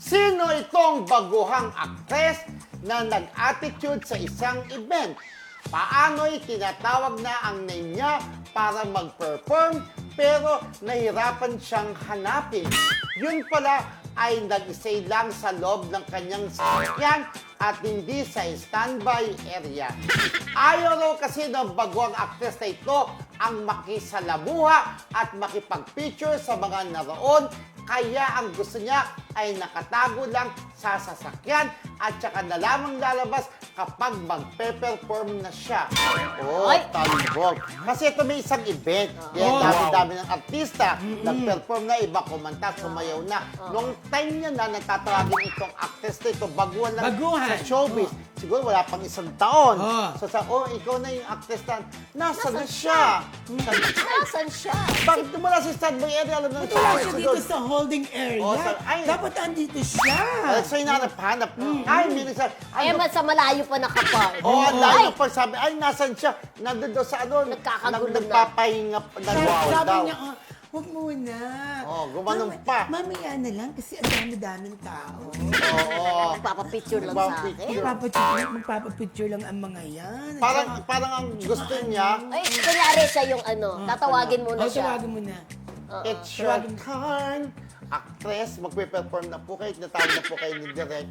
Sino itong baguhang aktres na nag-attitude sa isang event? Paano'y tinatawag na ang name niya para mag-perform pero nahirapan siyang hanapin? Yun pala ay nag-stay lang sa loob ng kanyang sasakyan at hindi sa standby area. Ayaw raw kasi ng baguhang aktres na ito ang makisalamuha at makipag-picture sa mga naroon, kaya ang gusto niya ay nakatago lang sa sasakyan at saka na lamang lalabas kapag magpe-perform na siya. Oh, talibog. Kasi ito may isang event. Dami-dami ng artista. Nag-perform na, iba kumanta, sumayaw na. Noong time niya na, nagtatawagin itong actress na ito, baguhan lang sa showbiz. Siguro wala pang isang taon. So ikaw na yung actress na, nasaan na siya? Nasaan siya? Bakit wala sa standby area? Alam na Wala siya dito sa holding area. Dapat andito siya. So hinanap-hanap. Ay, minsan. Sa malayo pa nakapark. Ang layo pa sabi, ay, nasan siya? Nandun daw sa ano, Nagkakagulo na. nagpapahinga, nagwawal Sabi daw. niya, huwag muna. Gumanong pa. Mamaya na lang kasi ang dami-daming tao. Oo. Nagpapapicture lang sa akin. Magpapapicture lang ang mga yan. Parang ang gusto niya, Ay, kunyari siya yung tatawagin muna siya. Tawagin mo na. it's your time. Actress, magpe-perform na po kayo, natawag na po kayo ni Direk.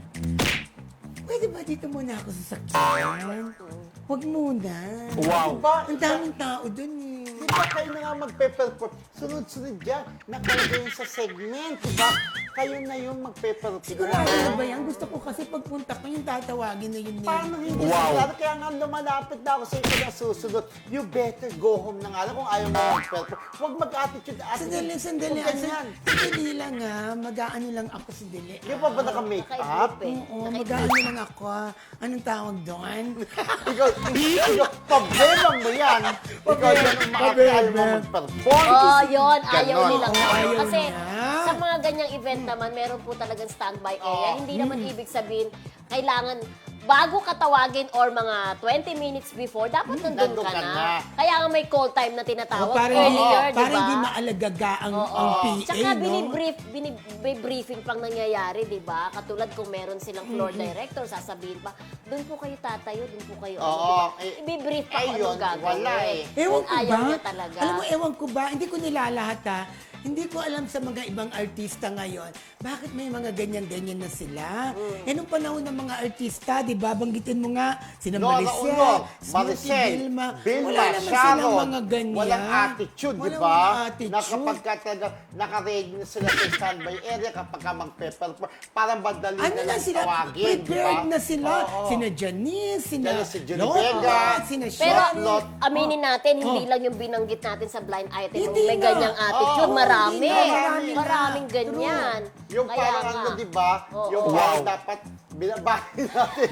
Pwede ba dito muna ako sa sakyan? Huwag muna. Wow. Ang daming tao dun eh. Di ba kayo na nga magpe-perform? Sunod-sunod yan. Nakalagay yun sa segment, di ba? Kayo na yung magpe-perform. Sigurado na ba yan? Gusto ko kasi pagpunta ko yung tatawagin na yun. Paano hindi sigurado? Kaya nga lumalapit na ako sa inyo na susunod. You better go home na nga lang kung ayaw mo mag-perform. Huwag mag-attitude. Sandali. Huwag ganyan. Sandali lang mag-aano lang ako sandali. Di ba ba naka-make-up? Oo, mag-aano lang ako. Anong tawag doon? Ikaw, problema mo yan. Ikaw yan ang makakayaw mo mag-perform. Yun. Ayaw Ganon. nilang ayaw Kasi niya. sa mga ganyang event naman, meron po talagang standby area. Hindi naman ibig sabihin, kailangan bago ka tawagin or mga 20 minutes before, dapat nandun ka na. Kaya nga may call time na tinatawag earlier, di ba? Para hindi maalagaga ang PA, Tsaka no? binibriefing pang nangyayari, di ba? Katulad kung meron silang floor director, sasabihin pa, doon po kayo tatayo, doon po kayo. Ibibrief pa kung anong gagawin. Wala eh. Ewan ko Ayaw ba? niya talaga. Alam mo, ewan ko ba? Hindi ko nilalahat ha. Hindi ko alam sa mga ibang artista ngayon, bakit may mga ganyan-ganyan na sila? Nung panahon ng mga artista, di ba, banggitin mo nga, sina Nora Uno, Maricel, Vilma, wala naman Sharon, silang mga ganyan. walang attitude, di Walang ba? attitude. Na kapag naka-ready na sila sa standby area, kapag ka mag-perform, parang madali Ano na na lang sila? tawagin, di ba? Prepared na sila. Oo. Sina Janice, sina Si Julie Vega, sina Pero Charlotte. aminin natin, hindi lang yung binanggit natin sa blind item. Hindi May na. ganyang attitude, marami. Hindi na. Maraming ganyan. Yung Kaya parang nga. ano, di ba? Yung parang dapat binabahin natin.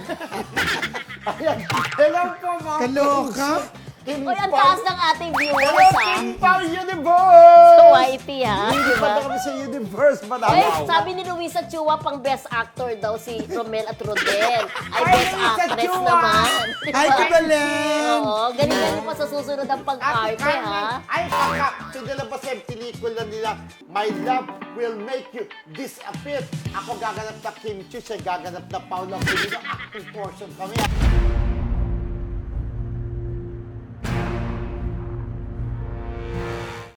Ayan. Hello po, mga Kaloka? Kim Uy, ang Pao. taas ng ating Hello, viewers, ha? Kim Pao Universe! So, YT, ha? Hindi Diba? pa na kami sa Universe. Ay, sabi ni Luisa Chua, pang best actor daw si Romel at Rodel. Ay, best Luisa actress Chua! naman. Ay, kabalen! Oo, ganun pa sa susunod ang pag-arte, ha? Ay, kaka, pinalabas yung pelikula nila, My Love Will Make You Disappear. Ako gaganap na Kim Chiu, siya gaganap na Paula Cunino. Acting portion kami.